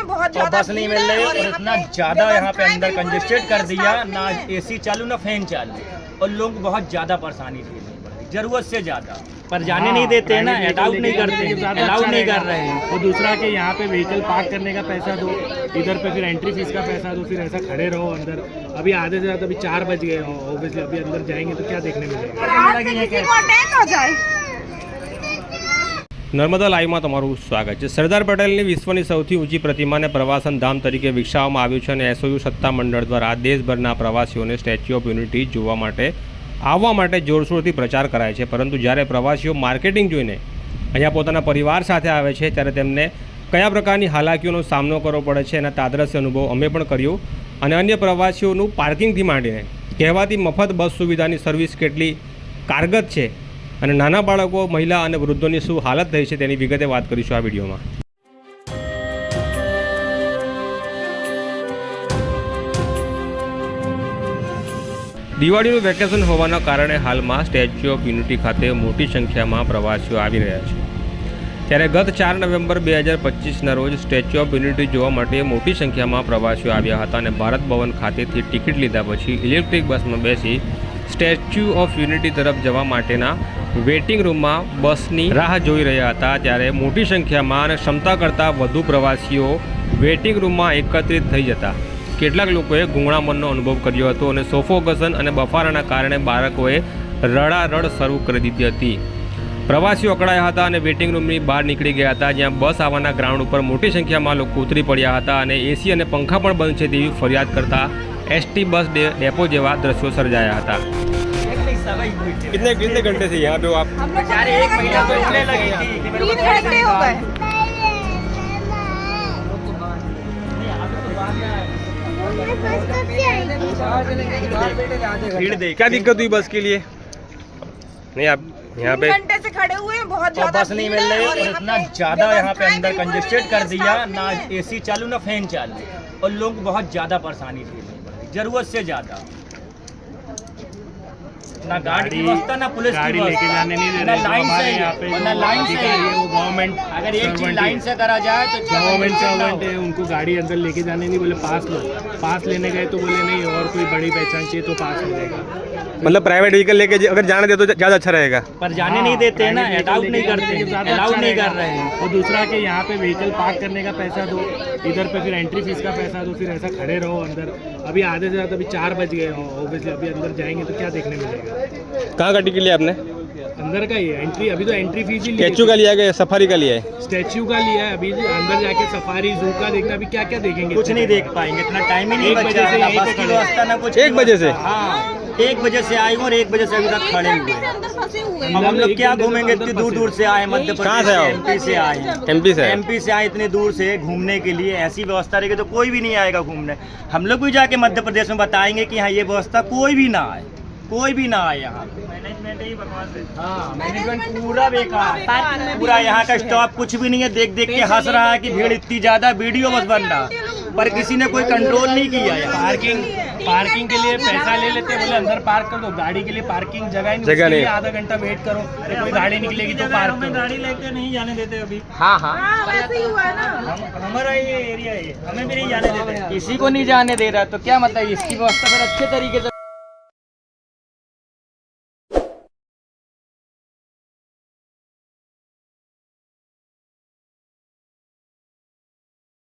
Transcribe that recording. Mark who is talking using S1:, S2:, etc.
S1: हैं, बहुत ज्यादा
S2: बस नहीं मिल रही और इतना ज्यादा यहाँ पे अंदर कंजेस्टेड कर दिया, ना एसी चालू ना फैन चालू, और लोग बहुत ज्यादा परेशानी थी जरूरत से ज्यादा, पर जाने नहीं देते हैं ना, अलाउड नहीं करते, अलाउड नहीं कर रहे हैं।
S3: और दूसरा कि यहाँ पे व्हीकल पार्क करने का पैसा दो, इधर पे फिर एंट्री फीस का पैसा दो, फिर ऐसा खड़े रहो अंदर। अभी आधे से ज़्यादा अभी 4 बज गए, ऑब्वियसली अभी अंदर जाएंगे तो क्या देखने मिलेगा।
S4: નર્મદા લાઈવમાં તમારું સ્વાગત છે। સરદાર પટેલની વિશ્વની સૌથી ઊંચી પ્રતિમાને પ્રવાસન ધામ તરીકે વિકસાવવામાં આવ્યું છે અને એસઓયુ સત્તામંડળ દ્વારા દેશભરના પ્રવાસીઓને સ્ટેચ્યુ ઓફ યુનિટી જોવા માટે આવવા માટે જોરશોરથી પ્રચાર કરાય છે, પરંતુ જ્યારે પ્રવાસીઓ માર્કેટિંગ જોઈને અહીંયા પોતાના પરિવાર સાથે આવે છે ત્યારે તેમને કયા પ્રકારની હાલાકીઓનો સામનો કરવો પડે છે એના તાદ્રશ્ય અનુભવ અમે પણ કર્યો, અને અન્ય પ્રવાસીઓનું પાર્કિંગથી માંડીને કહેવાતી મફત બસ સુવિધાની સર્વિસ કેટલી કારગત છે અને નાના બાળકો, મહિલા અને વૃદ્ધોની શું હાલત થઈ છે તેની વિગતે વાત કરીશું આ વિડીયોમાં। દિવાળીનું વેકેશન હોવાના કારણે હાલમાં સ્ટેચ્યુ ઓફ યુનિટી ખાતે મોટી સંખ્યામાં પ્રવાસીઓ આવી રહ્યા છે, ત્યારે ગત 4 નવેમ્બર 2025ના રોજ સ્ટેચ્યુ ઓફ યુનિટી જોવા માટે મોટી સંખ્યામાં પ્રવાસીઓ આવ્યા હતા અને ભારત ભવન ખાતેથી ટિકિટ લીધા પછી ઇલેક્ટ્રિક બસમાં બેસી સ્ટેચ્યુ ઓફ યુનિટી તરફ જવા માટેના વેઇટિંગ રૂમમાં બસની રાહ જોઈ રહ્યા હતા, ત્યારે મોટી સંખ્યામાં અને ક્ષમતા કરતાં વધુ પ્રવાસીઓ વેઇટિંગ રૂમમાં એકત્રિત થઈ જતા કેટલાક લોકોએ ગૂંગળામણનો અનુભવ કર્યો હતો અને સોફોગસન અને બફારાના કારણે બાળકોએ રડારડ શરૂ કરી દીધી હતી। પ્રવાસીઓ અકળાયા હતા અને વેઇટિંગ રૂમની બહાર નીકળી ગયા હતા, જ્યાં બસ આવવાના ગ્રાઉન્ડ ઉપર મોટી સંખ્યામાં લોકો ઉતરી પડ્યા હતા અને એસી અને પંખા પણ બંધ છે તેવી ફરિયાદ કરતા एसटी बस डेपो जेवा दृश्यों सर्जाया था। कितने घंटे से यहाँ पे हो आप?
S1: एक महीना तो इसलिए लगी थी, 3 घंटे हो गए।
S4: क्या दिक्कत हुई बस के लिए? नहीं आप यहाँ पे
S1: 3 घंटे से खड़े हुए हैं, बहुत ज्यादा
S2: बस नहीं मिल रही और इतना ज्यादा यहाँ पे अंदर कंजेस्टेड कर दिया, ना एसी चालू ना फैन चालू, और लोग बहुत ज्यादा परेशानी थी जरूरत से ज्यादा, ना गाड़ी की व्यवस्था, ना पुलिस की
S3: लेके जाने नहीं दे रहे,
S2: लाइन से, ना लाइन से
S3: वो गवर्नमेंट,
S2: अगर एक चीज लाइन से करा जाए तो
S3: गवर्नमेंट सर्वेंट है, उनको गाड़ी अंदर लेके जाने नहीं बोले, पास लो, पास लेने गए तो बोले नहीं और कोई बड़ी पहचान चाहिए तो पास मिलेगा।
S4: मतलब प्राइवेट व्हीकल लेके अगर जाने दे तो ज़्यादा अच्छा रहेगा,
S2: पर जाने नहीं देते हैं ना, अलाउड नहीं करते, अलाउड नहीं कर रहे हैं।
S3: और दूसरा कि यहाँ पे व्हीकल पार्क करने का पैसा दो, इधर पे फिर एंट्री फीस का पैसा दो, फिर ऐसा खड़े रहो अंदर। अभी आधे से ज़्यादा अभी 4 बज गए, ऑब्वियसली अभी अंदर जाएंगे तो क्या देखने मिलेगा।
S4: कहाँ का टिकट लिया आपने?
S3: अंदर का ही है एंट्री, अभी तो एंट्री फीस ही
S4: स्टैचू का लिया है, सफारी का लिया है?
S3: स्टैचू का लिया है, अभी अंदर जाके सफारी जू का देखना, अभी क्या क्या देखेंगे,
S2: कुछ नहीं देख पाएंगे, इतना टाइम ही नहीं बचा, ना बस की व्यवस्था ना कुछ।
S4: 1 बजे से?
S2: हाँ, 1 बजे से आए और 1 बजे से अभी तक खड़े हुए। अब हम लोग क्या घूमेंगे, इतनी दूर दूर से आए, मध्य प्रदेश से, एमपी से आए, एमपी से आए इतनी दूर से घूमने के लिए। ऐसी व्यवस्था रहेगी तो कोई भी नहीं आएगा घूमने। हम लोग भी जाके मध्य प्रदेश में बताएंगे कि हाँ ये व्यवस्था कोई भी ना आए, कोई भी ना आए यहाँ। मैनेजमेंट ही बकवास है। हाँ, मैनेजमेंट पूरा बेकार, पूरा यहाँ का स्टॉप कुछ भी नहीं है। देख देख के हंस रहा है कि भीड़ इतनी ज्यादा, वीडियो बस बन रहा, पर किसी ने कोई कंट्रोल नहीं किया है।
S3: पार्किंग के लिए पैसा ले लेते हैं, बोले अंदर पार्क कर दो, गाड़ी के लिए पार्किंग जगह नहीं, आधा घंटा वेट करो, कोई गाड़ी निकलेगी तो पार्क करो।
S2: गाड़ी लेके नहीं जाने देते अभी।
S4: हाँ हाँ,
S1: ऐसे ही हुआ है ना,
S2: हमारा ये एरिया है, हमें भी नहीं जाने देते, किसी को नहीं जाने दे रहा। तो क्या मतलब इसकी व्यवस्था फिर अच्छे तरीके से